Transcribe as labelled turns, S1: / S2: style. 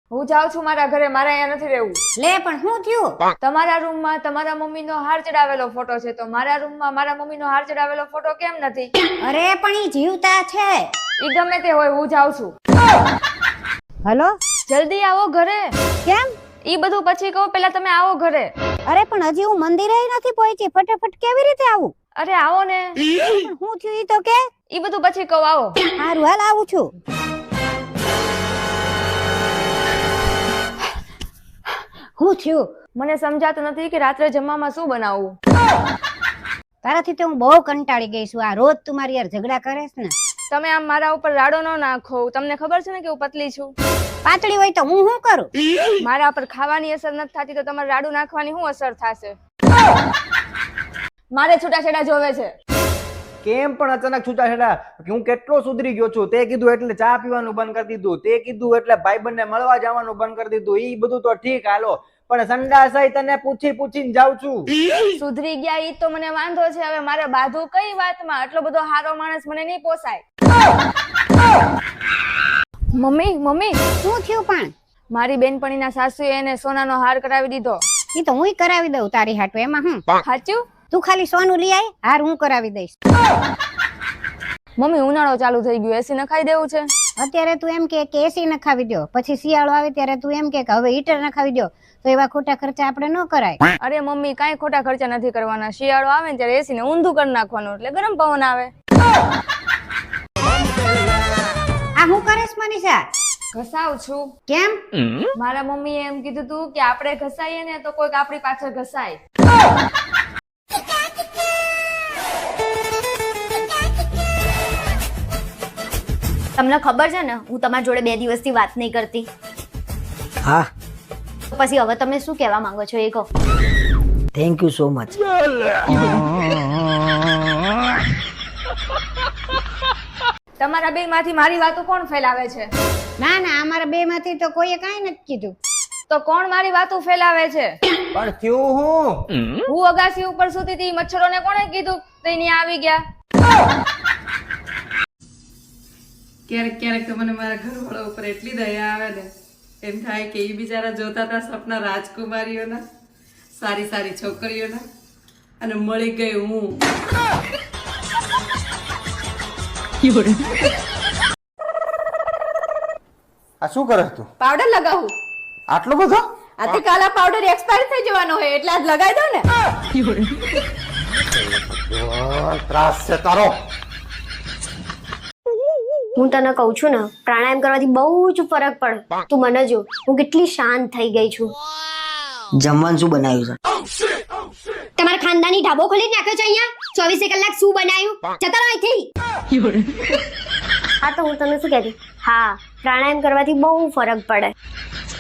S1: હું જાઉં છું મારા ઘરે, મારે અહીંયા નથી રહેવું.
S2: લે પણ શું થયું?
S1: તમારા રૂમમાં તમારા મમ્મીનો હાર ચડાવેલો ફોટો છે, તો મારા રૂમમાં મારા મમ્મીનો હાર ચડાવેલો ફોટો કેમ નથી?
S2: અરે પણ ઈ જીવતા છે.
S1: ઈ ગમે તે હોય, હું જાઉં છું.
S2: હલો,
S1: જલ્દી આવો ઘરે.
S2: કેમ?
S1: ઈ બધું પછી કહું, પેલા તમે આવો ઘરે.
S2: અરે પણ હજી હું મંદિરે નથી પહોંચી, ફટાફટ કેવી રીતે આવું?
S1: અરે આવો ને.
S2: પણ શું થયું ઈ તો કે?
S1: ઈ બધું પછી કહું, આવો.
S2: હારું હાલ આવું છું. શું થયું?
S1: મને સમજાતું નથી કે રાત્રે જમવામાં શું બનાવવું.
S2: તારાથી તો હું બહુ કંટાળી ગઈ છું. આ રોજ તું મારી યાર ઝઘડા કરેસ ને.
S1: તમે આમ મારા ઉપર રાડો ન નાખો. તમને ખબર છે ને કે હું પતલી છું.
S2: પાતળી હોય તો હું શું કરું?
S1: મારા ઉપર ખાવાની અસર નથી થતી, તો તમારે રાડુ નાખવાની શું અસર થશે? મારે છૂટાછેડા જોવે છે.
S3: કેમ પણ અચાનક છૂટાછેડા? હું કેટલો સુધરી ગયો છું. તે કીધું એટલે ચા પીવાનું બંધ કરી દીધું, તે કીધું એટલે ભાઈબંધને મળવા જવાનું બંધ કરી દીધું. ઈ બધું તો ઠીક, હાલો, પણ સંડાસઈ તને પૂછીને જાઉં છું.
S1: સુધરી ગયા ઈ તો મને વાંધો છે. હવે મારે બાધું કઈ વાતમાં? આટલો બધો હારો માણસ મને નહીં પોસાય. મમ્મી
S2: શું થયું? પણ
S1: મારી બેનપણીના સાસુએ એને સોનાનો હાર કરાવી દીધો.
S2: ઈ તો હુંય કરાવી દઉં તારી હાટુ. એમાં હું?
S1: સાચું?
S2: તું ખાલી સોનું લઈ આય, હાર હું કરાવી દઈશ.
S1: મમ્મી ઉનાળો ચાલુ થઈ ગયો, એસી નખાઈ દેવું છે.
S2: અત્યારે તું એમ કે એસી નખાવી દો, પછી શિયાળો આવે ત્યારે તું એમ કે હવે હીટર નખાવી દો, તો એવા ખોટા ખર્ચા આપણે ન કરાય.
S1: અરે મમ્મી કાંઈ ખોટા ખર્ચા નથી કરવાના. શિયાળો આવે ને ત્યારે એસી ને ઊંધું કરી નાખવાનું, એટલે ગરમ પવન આવે.
S2: આ હું કરેશ મનીષા?
S1: ઘસાવ છું.
S2: કેમ?
S1: મારા મમ્મીએ એમ કીધું તું કે આપણે ઘસાઈએ ને તો કોઈક આપણી પાછળ ઘસાય.
S4: તમને ખબર છે ને હું તમારી જોડે 2 દિવસથી વાત નહીં કરતી.
S5: હા,
S4: પછી હવે તમે શું કહેવા માંગો છો એ કહો.
S5: Thank you so much.
S1: તમારા બે માંથી મારી વાતો કોણ ફેલાવે છે?
S2: ના ના, અમારા બે માંથી તો કોઈએ કાંઈ નથી કીધું.
S1: તો કોણ મારી વાતો ફેલાવે છે?
S3: પણ થયું હું?
S1: હું અગાસી ઉપર સૂતી હતી, મચ્છરોને કોણે કીધું તો અહીંયા આવી ગયા?
S6: ક્યારેક તો મને મારા ઘરવાળા ઉપર એટલી દયા આવે ને, એમ થાય કે એ બિચારા જોતા હતા સપના રાજકુમારીઓના, સારી છોકરીઓના, અને મળી ગઈ હું.
S3: આ શું કરે તું?
S6: પાવડર લગાવું.
S3: આટલો બધો?
S6: આથી કાલા પાવડર એક્સપાયર થઈ જવાનો હોય એટલે આજ લગાવી દો ને.
S3: ત્રાસ છે તારો.
S4: હું તને કહું છું ને, પ્રાણાયામ કરવાથી બહુ જ ફરક પડે. તું મને જો, હું કેટલી શાંત થઈ ગઈ છું.
S5: જમવાનું શું બનાવ્યું છે?
S4: તમારા ખાનદાની ઢાબો ખોલી નાખ્યો છે અહીંયા. 24 કલાક શું બનાવ્યું? જતા રહો અહીંથી. હા તો હું તને શું કહેતી, હા પ્રાણાયામ કરવાથી બહુ ફરક પડે.